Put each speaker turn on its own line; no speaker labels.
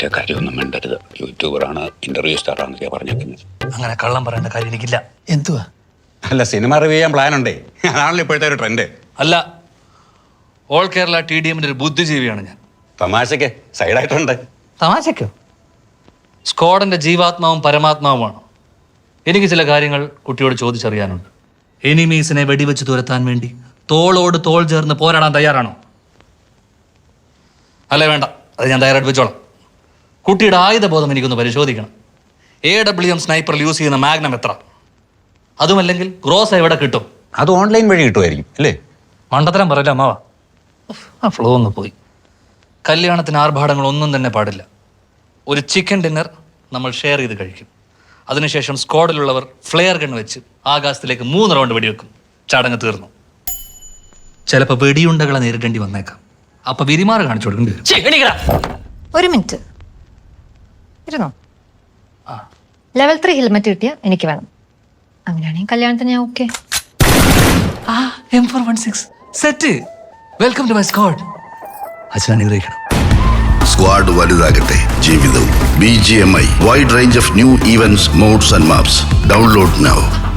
മറ്റേ കാര്യമൊന്നും വേണ്ടരുത്. യൂട്യൂബറാണ്, ഇന്റർവ്യൂ സ്റ്റാറാണെന്നൊക്കെ പറഞ്ഞേക്കുന്നത്.
അങ്ങനെ കള്ളം പറയേണ്ട കാര്യം എനിക്കില്ല.
എന്തുവാ?
അല്ല, സിനിമ റിവ്യൂ ചെയ്യാൻ പ്ലാൻ ഉണ്ടേ. അതാണല്ലോ ഇപ്പോഴത്തെ ഒരു ട്രെൻഡ്.
അല്ല, ഓൾ കേരള TDMന്റെ ഒരു ബുദ്ധിജീവിയാണ് ഞാൻ.
തമാശക്ക് സൈഡായിട്ടുണ്ട്.
തമാശക്കോ? സ്ക്വാഡിന്റെ ജീവാത്മാവും പരമാത്മാവുമാണ്. എനിക്ക് ചില കാര്യങ്ങൾ കുട്ടിയോട് ചോദിച്ചറിയാനുണ്ട്. എനിമീസിനെ വെടിവെച്ച് തുരത്താൻ വേണ്ടി തോളോട് തോൾ ചേർന്ന് പോരാടാൻ തയ്യാറാണോ? അല്ലേ വേണ്ട, അത് ഞാൻ തയ്യാറായിട്ട് വെച്ചോളാം. കുട്ടിയുടെ ആയുധബോധം എനിക്കൊന്ന് പരിശോധിക്കണം. AWM സ്നൈപ്പറിൽ യൂസ് ചെയ്യുന്ന മാഗ്നം എത്ര? അതുമല്ലെങ്കിൽ ഗ്രോസ് എവിടെ കിട്ടും?
അത് ഓൺലൈൻ വഴി കിട്ടുമായിരിക്കും അല്ലേ?
മണ്ടത്തരം പറയില്ല അമ്മാവാ. ആ ഫ്ലോ ഒന്ന് പോയി. കല്യാണത്തിന് ആർഭാടങ്ങൾ ഒന്നും തന്നെ പാടില്ല. ഒരു ചിക്കൻ ഡിന്നർ നമ്മൾ ഷെയർ ചെയ്ത് കഴിക്കും. അതിനുശേഷം സ്ക്വാഡിലുള്ളവർ ഫ്ലെയർ ഗൺ വെച്ച് ആകാശത്തിലേക്ക് 3 റൗണ്ട് വെടിവെക്കും. ചടങ്ങ് തീർന്നു. ചിലപ്പോൾ വെടിയുണ്ടകളെ നേരിടേണ്ടി വന്നേക്കാം. അപ്പൊ വിരിമാറ് കാണിച്ചു കൊടുക്കേണ്ടി വരും.
ഒരു മിനിറ്റ് ഇരുന്നോ. ലെവൽ 3 ഹെൽമെറ്റ് കിട്ടിയ എനിക്ക് വേണം. അങ്ങനെയാണെങ്കിൽ കല്യാണത്തിന് ഞാൻ okay.
M416 set. Welcome to my squad. അച്ഛൻ അനുഗ്രഹിക്കണം.
സ്ക്വാഡ് വലുതാകട്ടെ ജീവിതവും. BGMI wide range of new events, mods and maps. Download now.